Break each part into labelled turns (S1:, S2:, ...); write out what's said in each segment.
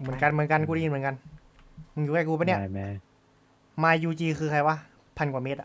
S1: เหมือนกันกูได้ยินเหมือนกันมึงอยู่ใกล้กูปะเนี่ย
S2: ได้ไหม
S1: มายูจีคือใครวะพันกว่าเมตรอะ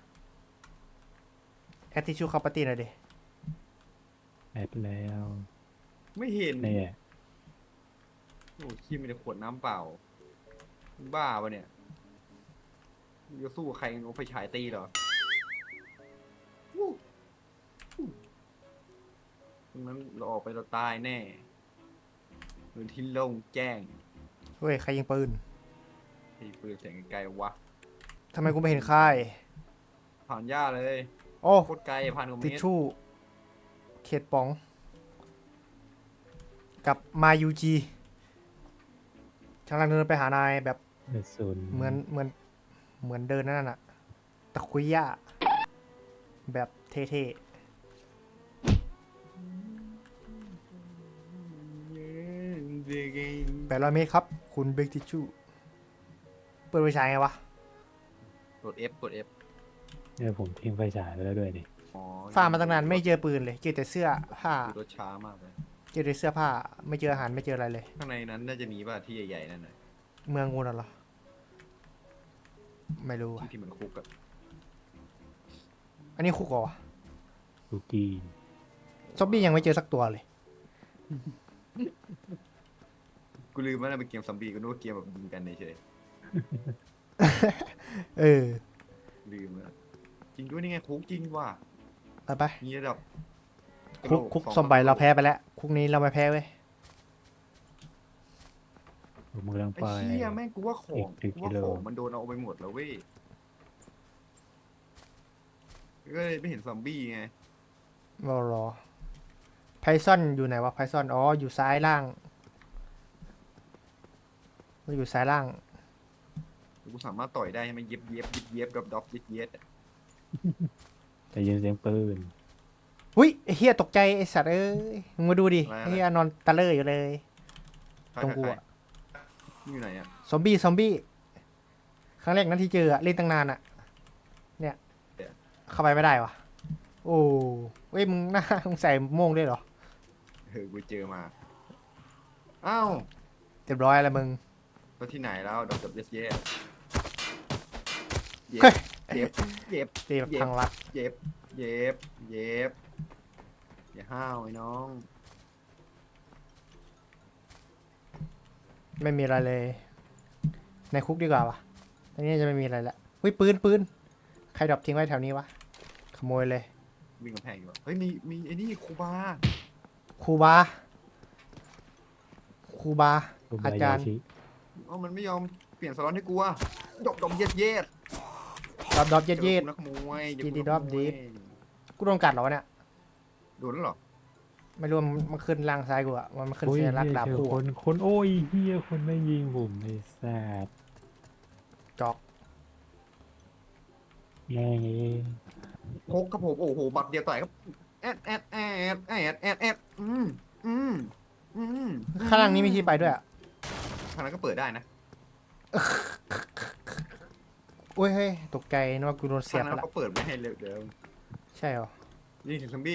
S1: แอตติชูคาปาตี้หน่อยดิ
S2: แอดแล้ว
S3: ไม่เห็น
S2: เนี่ย
S3: โอ้ขี้มีแต่ขวดน้ำเปล่ามึงบ้าปะเนี่ยมึงจะสู้กับใครเอาไฟฉายตีเหรอวู้วู้ตรงนั้นเราออกไปเราตายแน่หรือที่โล่งแจ้ง
S1: เฮ้ยใครยิงปืน
S3: ไอ้ปืนเสียงไกลๆวะ
S1: ทำไมกูไม่เห็นค่าย
S3: ผ่านหญ้าเลย
S1: โอ้
S3: โคตรไกลพันกว่าเม
S1: ติด
S3: ตร
S1: ชู่เขตป๋อง กับมายูจีกำลังเดินไปหานายแบบ
S2: เดือดศูนย์
S1: เหมือนเดินนั่นน่ะตะคุยย่าแบบเท่ๆ800 เมตรครับ คุณเบกติชูเปิดไฟฉายไงวะ
S3: กด F กด F
S2: เนี่ยผมทิ้งไฟฉายไปแล้วด้วยนี่
S3: อ๋อ
S1: ฟาร์มมาตั้งนานไม่เจอปืนเลย เจอแต่เสื้อผ้า
S3: รถช้ามากเลย
S1: เจอแต่เสื้อผ้า ไม่เจออาหารไม่เจออะไรเลย
S3: ข้างในนั้นน่าจะมีป่ะที่ใหญ่ๆนั่นน่ะ
S1: เมืองกูน่ะเหรอ ไม่รู้อะ
S3: ที่มันคุกกับ
S1: อันนี้คุกเหรอวะ
S2: คุกกี้
S1: ซอมบี้ยังไม่เจอสักตัวเลย
S3: กูลืมว่านั่นเป็นเกมซอมบี้กูนึกว่าเกมแบบยิงกันเฉย
S1: เออ
S3: ลืมแล้วจริงด้วยนี่ไงคุกจริงว่ะ
S1: ไปไป
S3: มีระดับ
S1: คุกซอมบี้เราแพ้ไปแล้ว คุกนี้เราไม่แพ้เว้ย
S2: ผมกำลัง
S3: ไอ้
S2: ไป
S3: เหี้ยแม่งกูว่าของ
S2: อีก
S3: กูว่า
S2: กิโล
S3: ของมันโดนเอาไปหมดแล้วเว้ยก็เลยไม่เห็นซอมบี้ไง
S1: รอไพซอนอยู่ไหนวะไพซอนอ๋ออยู่ซ้ายล่างมันอยู่ซ้ายล่าง
S3: กูสามารถต่อยได้ใช่ไหมเย็บเย็บเย็บเย็บดอบดอบเย็บเย็บ
S2: แต่ยินเสียงปืน
S1: หุ้ยไอ้เฮียตกใจไอ้สัตว์เอ้ยมึงมาดูดิไอ้เฮียนอนตะเลออยู่เลย ตรงกูอะ
S3: นี่อยู่ไหนอ่ะ
S1: ซอมบี้ครั้งแรกนั้นที่เจออะเล่นตั้งนานอะเนี่ยเข้าไปไม่ได้วะโอ้เว้ยมึงหน้ามึงใส่โม่งด้วยเหรอ
S3: กูเจอมาอ้าว
S1: เรียบร้อยแล้วมึง
S3: แล้วที่ไหนแล้วดอบดอบเย็บเย็บเย็
S1: เฮ้
S3: บ
S1: ย
S3: เย็บเย็บ
S1: ตีแบบทางลัด
S3: เย็บเย็บเย็บอย่าห้าวไอ้น้อง
S1: ไม่มีอะไรเลย ในคุกดีกว่าวะตอนนี้จะไม่มีอะไรละหุ้ยปืนใครดรอปทิ้งไว้แถวนี้วะขโมยเลย
S3: วิ่งกำแพงอยู่วะเฮ้ยมีไอ้นี่คูบา
S1: ครูบาอาจารย์
S2: ชิ
S3: เอ้ามันไม่ยอมเปลี่ยนสล็อตให้กูอะดอบดอบเย็ดเย็ด
S1: ดรอปเย็ด
S3: จอกูนักขโมยเดี๋ยว
S1: ดี
S3: กู
S1: ดรอปดี กูโดนกัดเหรอวะเนี่ย
S3: โดนแล้วเหรอ
S1: ไม่รู้มันขึ้นล่างซ้ายกูอะมันขึ้น
S2: โอ้ย
S1: เสียรัก
S2: เหี้ย
S1: ดาบ
S2: เจอ
S1: คู่
S2: คนโอ้ยเฮียคนไม่ยิงผมไอ้แซด
S1: จอก
S2: แม่งเอง
S3: พกครับผมโอ้โหบัตรเดียวต่อยครับแอดแอดแอดแอดแอดแอดอืม
S1: ข้างล่างนี้มีที่ไปด้วยอะ
S3: ทางนั้นก็เปิดได้นะ
S1: อุ้ยเฮ้ยตกใจนึกว่ากูโดนเสี
S3: ทาย ง
S1: บ
S3: นั้
S1: ไป
S3: น
S1: ละ
S3: เขาเปิดไม่ให้เร็วเดิม
S1: ใช่เหรอ
S3: ยิงถึงซอมบี้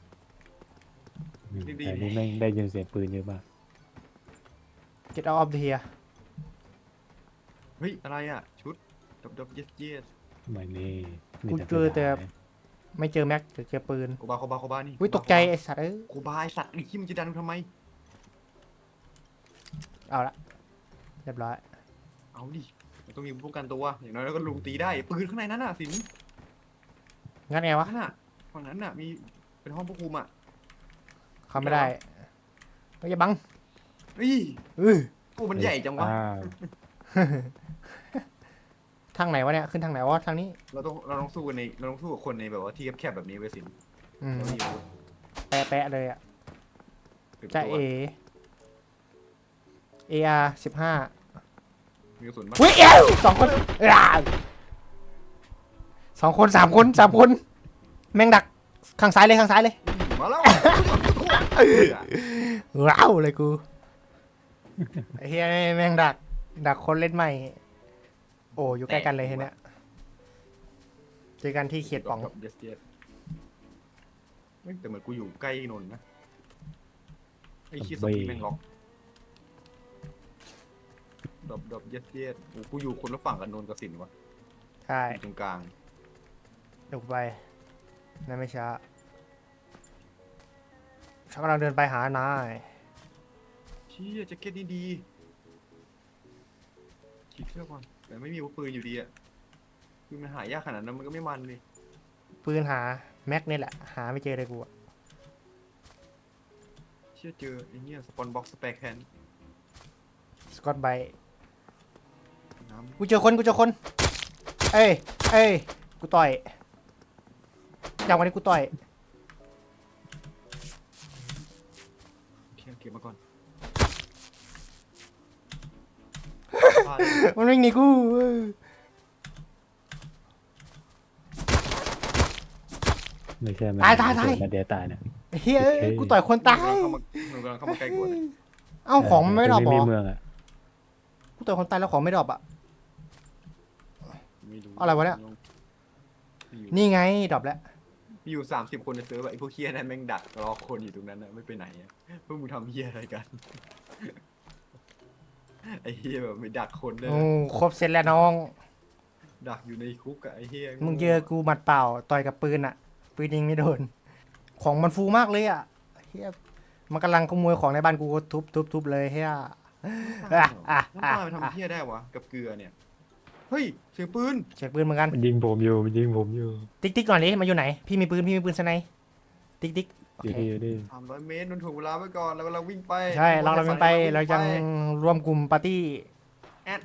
S3: ดีๆ
S2: แต่นี่แม่งได้ยินเสียงปืนเยอะมาก
S1: Get out of here
S3: เฮ้ยอะไรอ่ะชุดดอบดอบเย็ดเย็ด
S2: ไม่นี่
S1: กูเจอแต่ ไม่เจอแม็กแต่เจอปืน
S3: โคบานี่
S1: อุ้ยตกใจไอ้สัตว์เอ้ย
S3: โคบาไอ้สัตว์ไอ้ขี้มันจะดันทำไม
S1: เอาละเรียบร้อย
S3: เอาดิมันต้องมีป้องกันตัวอย่างน้อยแล้วก็ลุงตีได้ปืนข้างในนั้นน่ะสิน
S1: งั้นไงวะ
S3: นั่นน่ะฝั่งนั้นน่ะมีเป็นห้องควบคุมอ่ะ
S1: เข้าไม่ได้ไม่อย่าบัง
S3: เฮ้ย
S1: อื้อ
S3: ตู้มันใหญ่จังวะ
S2: อ้าว
S1: ทางไหนวะเนี่ยขึ้นทางไหนวะทางนี้
S3: เราต้องสู้กับคนในแบบว่าที่แคบๆแบบนี้เว้ยสิน
S1: อืม
S3: เรามีอาวุธ
S1: แปะเลยอะ
S3: ติด
S1: จะ
S3: ตัว
S1: AR 15
S3: มีกระสุนบ้าง
S1: อุ้ยเอว2 คนอ้าว2 คน 3 คน 3 คน แม่งดักข้างซ้ายเลย
S3: มาแล้ว
S1: ว้าวเลยกูไอ้เฮียแม่งดักคนเล่นใหม่ โอ้อยู่ใกล้กันเลยเห็นเนี่ยเจอกันที่เขียดป่อง
S3: เยสเยสแต่เหมือนกูอยู่ใกล้นนท์นะไอ้ขี้สมบีแม่งล็อกดรอปเย็ดโอ้กูอยู่คนละฝั่งกับนนท์กับสินวะ
S1: ใช่
S3: อยู่ตรงกลาง
S1: เดี๋ยวกูไปนั่นไม่ช้าฉันกำลังเดินไปหานาย
S3: เชี่ยแจ็คเก็ตนี่ดีคิดเชื่อก่อนแต่ไม่มีอาวุธปืนอยู่ดีอะคือมันหายากขนาดนั้นมันก็ไม่มันเลย
S1: ปืนหาแม็กนี่แหละ หาไม่เจอเลยกูอะ
S3: เชื่อเจอไอ้เนี่ยสปอนบ็อกซ์สเปกแคน
S1: สกอตไบรท์
S3: น้ำ
S1: กูเจอคน เอ้ยกูต่อยอย่างวันนี้กูต่อย
S3: เก็บมาก่อน
S1: มันวิ่งหนีกู
S2: ไม่ใช่มัน
S1: ตาย
S2: มาเดี๋ยวตายเนี่ย
S1: เฮ้ยกูต่อยคนตาย
S3: หนูกำลังเข้ามาใกล้กูเลย
S1: เอ้าของมันไม่ดรอปเหร
S2: มี
S1: อ
S2: เมืองอ่ะ
S1: กูต่อยคนตายแล้วของไม่ดรอปอ่ะ
S3: ไม่รู้
S1: อะไรวะเนี่ย นี่ไงดรอปแล้ว
S3: มีอยู่30 คนในเซิร์ฟอะไอ้พวกเฮียนั่นแม่งดักรอคนอยู่ตรงนั้นนะไม่ไปไหนอะพวกมึงทำเฮียอะไรกัน ไอ้เฮียแบบไม่ดักคนเลย
S1: โอ้ครบเซตแล้วน้อง
S3: ดักอยู่ในคุกอะไอ้เฮีย
S1: มึงเจอกูหมัดเปล่าต่อยกับปืนอ่ะ ปืนยิงไม่โดน ของมันฟูมากเลยอ่ะเฮียมันกำลังขโมยของในบ้านกูก็ทุบเลยเฮีย
S3: น้ำตาลไปทำเฮียได้วะกับเกลือเนี่ยเฮ้ยเสียงปืน
S1: เช็คปืนเหมือนกัน
S2: มันยิงผมอยู่มันยิงผมอยู่
S1: ติ๊กหน่อยดิมาอยู่ไหนพี่มีปืนสไนป์ติ๊กโอ
S2: อยู่
S1: เค
S2: ที่อยู่ที่
S3: 300 เมตรนนถ่วงเวลาไว้ก่อนแล้วเราวิ่งไป
S1: ใช่เราเป็นไปเรายังรวมกลุ่มปาร์ตี้
S3: แอด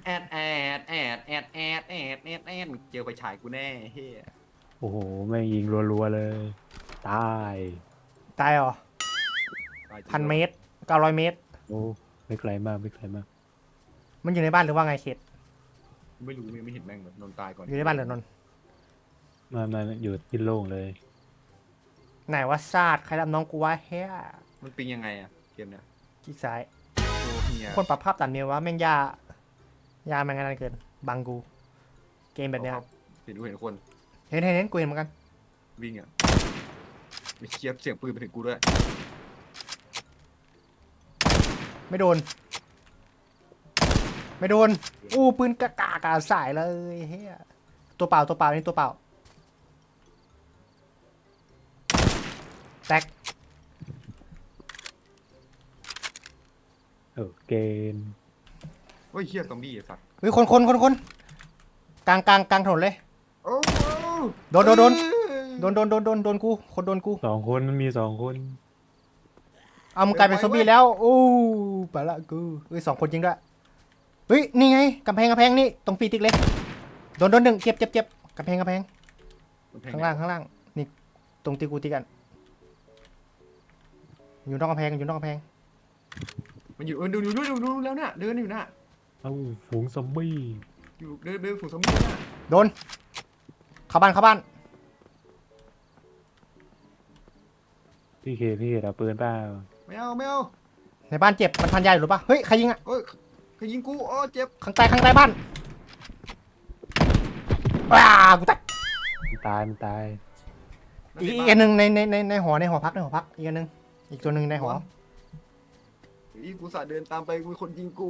S3: เจอไปฉายกูแน่เฮีย
S2: โอ้โหแม่งยิงรัวๆเลยตาย
S1: ตายเหรอ
S3: ตายจริง
S1: 1,000 เมตร900 เมตร
S2: โอ้ไม่ไกลมากไม่ไกลมาก
S1: มันอยู่ในบ้านหรือว่าไงเขต
S3: ไม่รู้ไม่เห็นแม่งแบบนนตายก่อน
S1: อยู่ในบ้านหรือนนท์
S2: มาอยู่ที่โล่งเลย
S1: ไหนว่าซาดใครทำน้องกูวะเฮีย
S3: มันปิงยังไงอะเกมเนี้ย
S1: คลิกซ้าย
S3: โอ้เฮีย
S1: คนปรับภาพตัดเมียวว่าแม่งยาแม่งอะไรเกินบังกู เกมแบบเนี้ย
S3: เห็นคน
S1: เห็นกูเห็นเหมือนกัน
S3: วิ่งอะมีเชียบเสียงปืนไปถึงกูด้วย
S1: ไม่โดนอู้ปืนกากาสายเลยเฮียตัวเปล่านี่ตัวเปล่าแตก
S2: เกณฑ์
S3: เฮ้ยเฮียซอมบี้ไอ้สัตว์
S1: เฮ้ยคนกลางถนนเลย
S3: โอ้
S1: โดนกูคนโดนกู
S2: 2 คนมันมี2 คน
S1: เอามึงกลายเป็นซอมบี้แล้วโอ้ไปละกูเฮ้ย2 คนจริงด้วยเฮ้ยนี่ไงกำแพงนี่ตรงปีติ๊กเลยโดนหนึ่งเจ็บกำแพงข้างล่างนี่ตรงตีกูตีกันอยู่นอกกำแพง
S3: มันอยู่ดูแล้วเนี่ยเดินอยู่น่ะ
S2: เอ้าฝูงซอมบี้
S3: อยู่เดินฝูงซอมบี้น่ะ
S1: โดนเข้าบ้าน
S2: พี่เคเอาปืนเปล่า
S3: ไม่เอา
S1: ในบ้านเจ็บมันพันยาอยู่หรือปะเฮ้ยใครยิงอ่ะ
S3: เฮ้ยใครยิงกูอ๋อเจ็บ
S1: ข้างใต้บ้านว้ากูแตก
S2: มันตาย
S1: อีกอันหนึ่งในหอพักอีกอันหนึ่งอีกตัวหนึ่งในหอ
S3: อีกูสาเดินตามไปกูคนยิงกู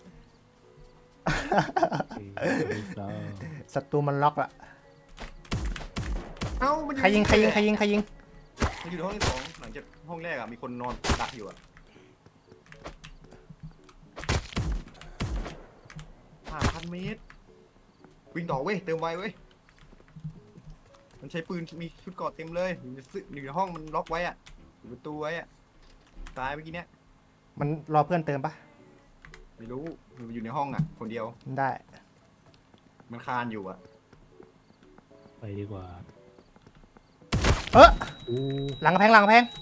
S1: ศัตรูมันล็อกละ
S3: เอ้ามันอยู่
S1: ใครยิง
S3: มันอยู่ในห้องที่ 2หลังจากห้องแรกอะมีคนนอนดักอยู่อะ5,000 เมตรวิ่งต่อเว้ยเติมไวเว้ยมันใช้ปืนมีชุดเกราะเต็มเลยอยู่ในห้องมันล็อกไว้อะอยู่ประตูไว้อะตายเมื่อกี้เนี้ย
S1: มันรอเพื่อนเติมปะ
S3: ไม่รู้มันอยู่ในห้องอะคนเดียว
S1: ได้
S3: มันคานอยู่อะ
S2: ไปดีกว่า
S1: อู้
S2: อู้
S1: หลังกำแพง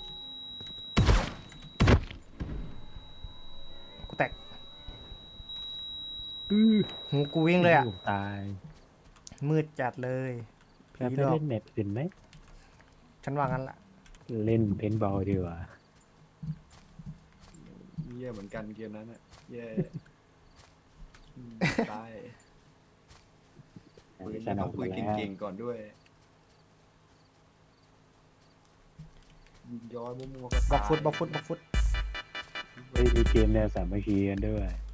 S1: กูแตก
S2: อื้อ
S1: หูกูวิ่งเลยอ่ะ
S2: ตาย
S1: มืดจัดเลยผี
S2: แล้วไป
S1: หลอก
S2: เล่นเน็ตอื่นไหม
S1: ฉันว่างั้นละ
S2: เล่นเพนบอลดีกว่า
S3: เย่เหมือนกันเกมนั้นอะเย่ตายปืน
S2: สนุ
S3: ต้อก งปืน
S2: แล้ว
S3: เก่งๆก่อนด้วยยิงย้อยมั่วๆก็
S1: บล็
S3: ตา
S1: อก
S3: ย
S1: ฟุต
S2: เฮ้ยมีเกมแนวสามัคคีกันด้วย